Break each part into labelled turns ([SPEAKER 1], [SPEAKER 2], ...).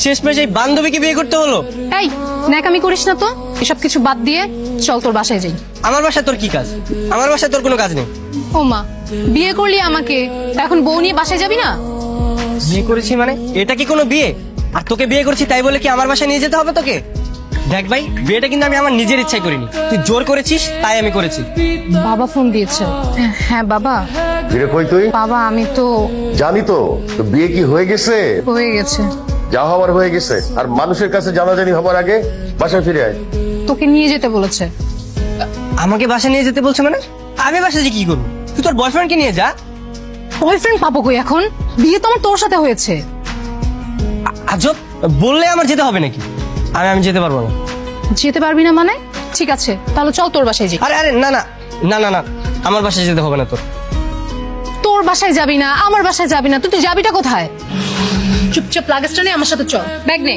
[SPEAKER 1] শেষমেশ এই বান্ধবীকে বিয়ে করতে হলো।
[SPEAKER 2] এই ন্যাকামি করিস না তো, এসব কিছু বাদ দিয়ে চল তোর বাসায় যাই।
[SPEAKER 1] আমার বাসায় তোর কি কাজ? আমার বাসায় তোর কোনো কাজ নেই।
[SPEAKER 2] ও মা, বিয়ে করলি আমাকে, এখন বউ নিয়ে বাসায় যাবি না?
[SPEAKER 1] বিয়ে করেছি মানে এটা কি কোনো বিয়ে? আর তোকে বিয়ে করেছি তাই বলে কি আমার বাসায় নিয়ে যেতে হবে তোকে? দেখ ভাই, বিয়েটা কিন্তু আমি আমার নিজের ইচ্ছায় করিনি, তুই জোর করেছিস তাই আমি করেছি।
[SPEAKER 2] বাবা ফোন দিয়েছে। হ্যাঁ বাবা।
[SPEAKER 3] ফিরে কই তুই?
[SPEAKER 2] বাবা আমি তো
[SPEAKER 3] জানি তো, তো বিয়ে কি হয়ে গেছে?
[SPEAKER 2] হয়ে গেছে।
[SPEAKER 3] যা হওয়ার হয়ে গেছে, আর মানুষের কাছে জানাজানি হবার আগে বাসায় ফিরে আয়।
[SPEAKER 2] তোকে নিয়ে যেতে বলেছে।
[SPEAKER 1] আমাকে বাসায় নিয়ে যেতে বলছে মানে? আমি বাসায় যে কি করবো? তুই তোর বয়ফ্রেন্ডকে নিয়ে যা।
[SPEAKER 2] বয়ফ্রেন্ড পাবো কই এখন? বিয়ে তো আমার তোর সাথে হয়েছে।
[SPEAKER 1] আজব, বললে আমার যেতে হবে নাকি? আমি যেতে পারবো না।
[SPEAKER 2] যেতে পারবি না মানে? ঠিক আছে তাহলে চল তোর বাসায় যাই।
[SPEAKER 1] আরে আরে না না না না না, আমার বাসায় যেতে হবে না তোর।
[SPEAKER 2] তোর বাসায় যাবি না, আমার বাসায় যাবি না, তুই যাবিটা কোথায়? চুপচাপ লাগেজটা নিয়ে আমার সাথে চল, ব্যাগ নে।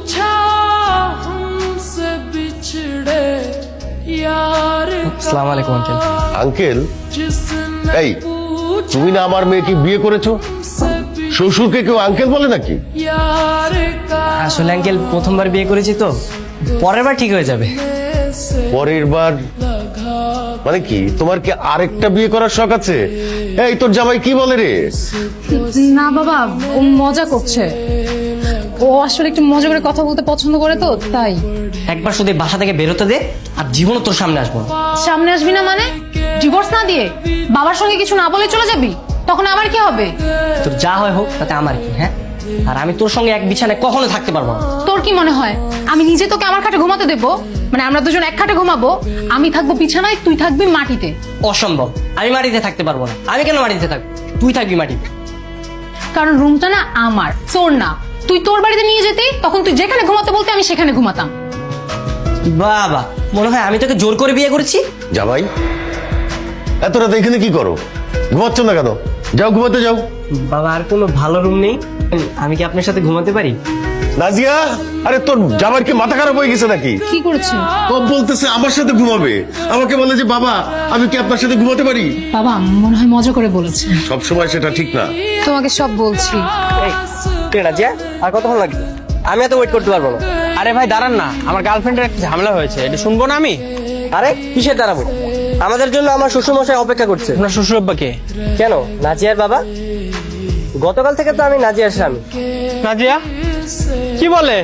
[SPEAKER 1] আসসালামু আলাইকুম আঙ্কেল।
[SPEAKER 3] আঙ্কেল? এই, তুমি না আমার মেয়েকে বিয়ে করেছো? শ্বশুরকে কেউ আঙ্কেল বলে নাকি?
[SPEAKER 1] আসলে আঙ্কেল প্রথমবার বিয়ে করেছি তো, পরের বার ঠিক হয়ে যাবে।
[SPEAKER 3] পরের বার মানে কি? তোমার কি আরেকটা বিয়ে করার শখ আছে? এই, তোর জামাই কি বলে রে?
[SPEAKER 2] না বাবা, ও মজা করছে। ও আসলে একটু মজা করে কথা বলতে পছন্দ করে তো তাই।
[SPEAKER 1] একবার শুধু এই বাসা থেকে বেরোতে দে, আর জীবনও তোর সামনে আসবো না।
[SPEAKER 2] সামনে আসবি না মানে? ডিভোর্স না দিয়ে বাবার সঙ্গে কিছু না বলে চলে যাবি? তখন আমার কি হবে?
[SPEAKER 1] তোর যা হয় হোক, তাতে আমার কি? হ্যাঁ, আর আমি তোর সঙ্গে এক বিছানায় কখনো থাকতে পারবো না।
[SPEAKER 2] তোর কি মনে হয় আমি নিজে তোকে আমার খাটে ঘুমাতে দেবো? মানে আমরা দুজন এক খাটে ঘুমাবো, আমি থাকবো বিছানায়, তুই থাকবি মাটিতে।
[SPEAKER 1] অসম্ভব, আমি মাটিতে থাকতে পারবো না। আমি কেন মাটিতে থাকবো? তুই থাকবি মাটিতে।
[SPEAKER 2] কারণ রুমটা না আমার, তোর না। তুই তোর বাড়িতে নিয়ে যেতে, তখন তুই যেখানে ঘুমাতে বলতে আমি সেখানে ঘুমাতাম।
[SPEAKER 1] বাবা, মনে হয় আমি তোকে জোর করে বিয়ে করেছি।
[SPEAKER 3] জামাই, এত রাত এখানে কি করো? ঘুমাচ্ছ না কেন? যাও, ঘুমাতে যাও।
[SPEAKER 1] বাবা, আর কোনো ভালো রুম নেই? আমি কি আপনার সাথে ঘুমাতে পারি?
[SPEAKER 3] নাজিয়া, আরে তোর জামাইয়ের কি মাথা খারাপ হয়ে গেছে নাকি?
[SPEAKER 2] কি করেছে?
[SPEAKER 3] ও বলতেছে আমার সাথে ঘুমাবে, আমাকে বলে যে বাবা আমি কি আপনার সাথে ঘুমাতে পারি?
[SPEAKER 2] বাবা মনে হয় মজা করে বলেছে।
[SPEAKER 3] সব সময় সেটা ঠিক না।
[SPEAKER 2] তোমাকে সব বলছি।
[SPEAKER 1] রাজিয়া, আর কতক্ষণ লাগবে? আমি এত ওয়েট করতে পারবো না।
[SPEAKER 4] আরে ভাই দাঁড়ান না, আমার গার্লফ্রেন্ডের একটা ঝামেলা হয়েছে, এটা শুনবো না আমি?
[SPEAKER 1] আরে কিসের দাঁড়াবো? আমাদের জন্য আমার শ্বশুরমশাই অপেক্ষা করছে।
[SPEAKER 4] আপনার শ্বশুর আব্বাকে?
[SPEAKER 1] কেন, নাজিয়ার বাবা? গতকাল থেকে তো আমি নাজিয়ার স্বামী।
[SPEAKER 4] নাজিয়া কি বলে?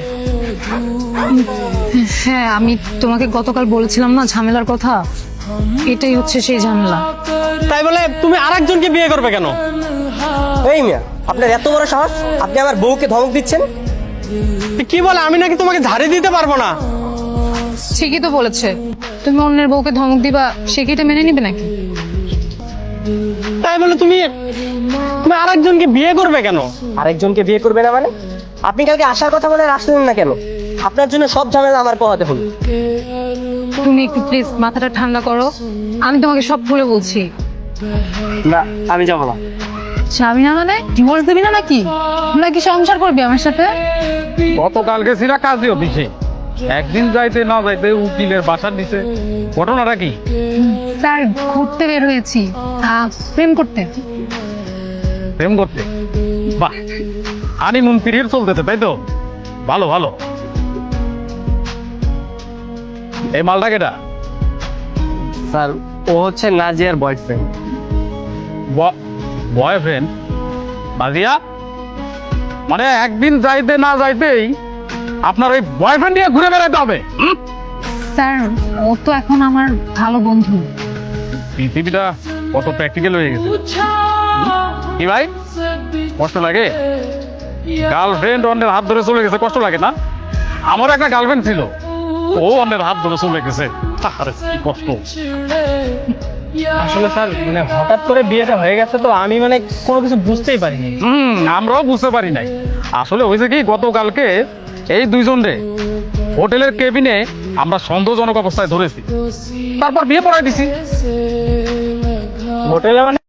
[SPEAKER 2] হ্যাঁ, আমি তোমাকে গতকাল বলেছিলাম না ঝামেলার কথা, এটাই হচ্ছে সেই ঝামেলা।
[SPEAKER 4] তাই বলে তুমি আরেকজনকে বিয়ে করবে কেন?
[SPEAKER 1] এই মিয়া, আপনার এত বড় সাহস, আপনি আমার বউকে ধমক দিচ্ছেন?
[SPEAKER 4] কি বলে? আমি নাকি তোমাকে ঝাড়ি দিতে পারবো না?
[SPEAKER 2] ঠিকই তো বলেছে। তুমি অন্যের বউকে ধমক দিবা, সে কি এটা মেনে নিবে নাকি?
[SPEAKER 4] তাই বলে তুমি তুমি আরেকজনকে বিয়ে করবে কেন?
[SPEAKER 1] আরেকজনকে বিয়ে করবে না মানে? আপনি কালকে আসার কথা বলে আসলেন না কেন? আপনার জন্য সব ঝামেলা আমার পোহাতে হলো।
[SPEAKER 2] তুমি একটু প্লিজ মাথাটা ঠান্ডা করো, আমি তোমাকে সব খুলে বলছি।
[SPEAKER 1] না, আমি যাবো না।
[SPEAKER 2] স্বামী না মানে ডিভোর্স দিবি না নাকি? নাকি সংসার করবি আমার সাথে?
[SPEAKER 5] গতকালকে ছিল কাজী অফিসে, একদিন যাইতে না যাইতে উকিলের বাসার নিচে। ঘটনাটা কি?
[SPEAKER 2] স্যার ঘুরতে বের হয়েছি, প্রেম করতে।
[SPEAKER 5] প্রেম করতে? বাহ, হানিমুন পিরিয়ড চলতেছে তাই তো? ভালো ভালো। এই মালটা কেটা?
[SPEAKER 1] স্যার, ও হচ্ছে নাজিয়ার বয়ফ্রেন্ড।
[SPEAKER 5] বয়ফ্রেন্ড? নাজিয়া, মানে একদিন যাইতে না যাইতেই আপনার ওই বয়ফ্রেন্ড নিয়ে ঘুরে বেড়াতে হবে?
[SPEAKER 2] স্যার ও তো এখন আমার ভালো বন্ধু।
[SPEAKER 5] পৃথিবীটা কত প্র্যাকটিক্যাল হয়ে গেছে। কি ভাই, কষ্ট লাগে? গার্লফ্রেন্ড অন্যের হাত ধরে চলে গেছে, কষ্ট লাগে না? আমার একটা গার্লফ্রেন্ড ছিল, ও অন্যের হাত ধরে চলে গেছে, আরে কি কষ্ট।
[SPEAKER 4] আসলে স্যার মানে হঠাৎ করে বিয়েটা হয়ে গেছে তো আমি মানে কোনো কিছু বুঝতেই পারিনি।
[SPEAKER 5] আমরাও বুঝতে পারি নাই। আসলে হয়েছে কি, গতকালকে এই দুইজনরে হোটেলের কেবিনে আমরা সন্দেহজনক অবস্থায় ধরেছি, তারপর বিয়ে পড়াই দিছি।
[SPEAKER 4] হোটেলে মানে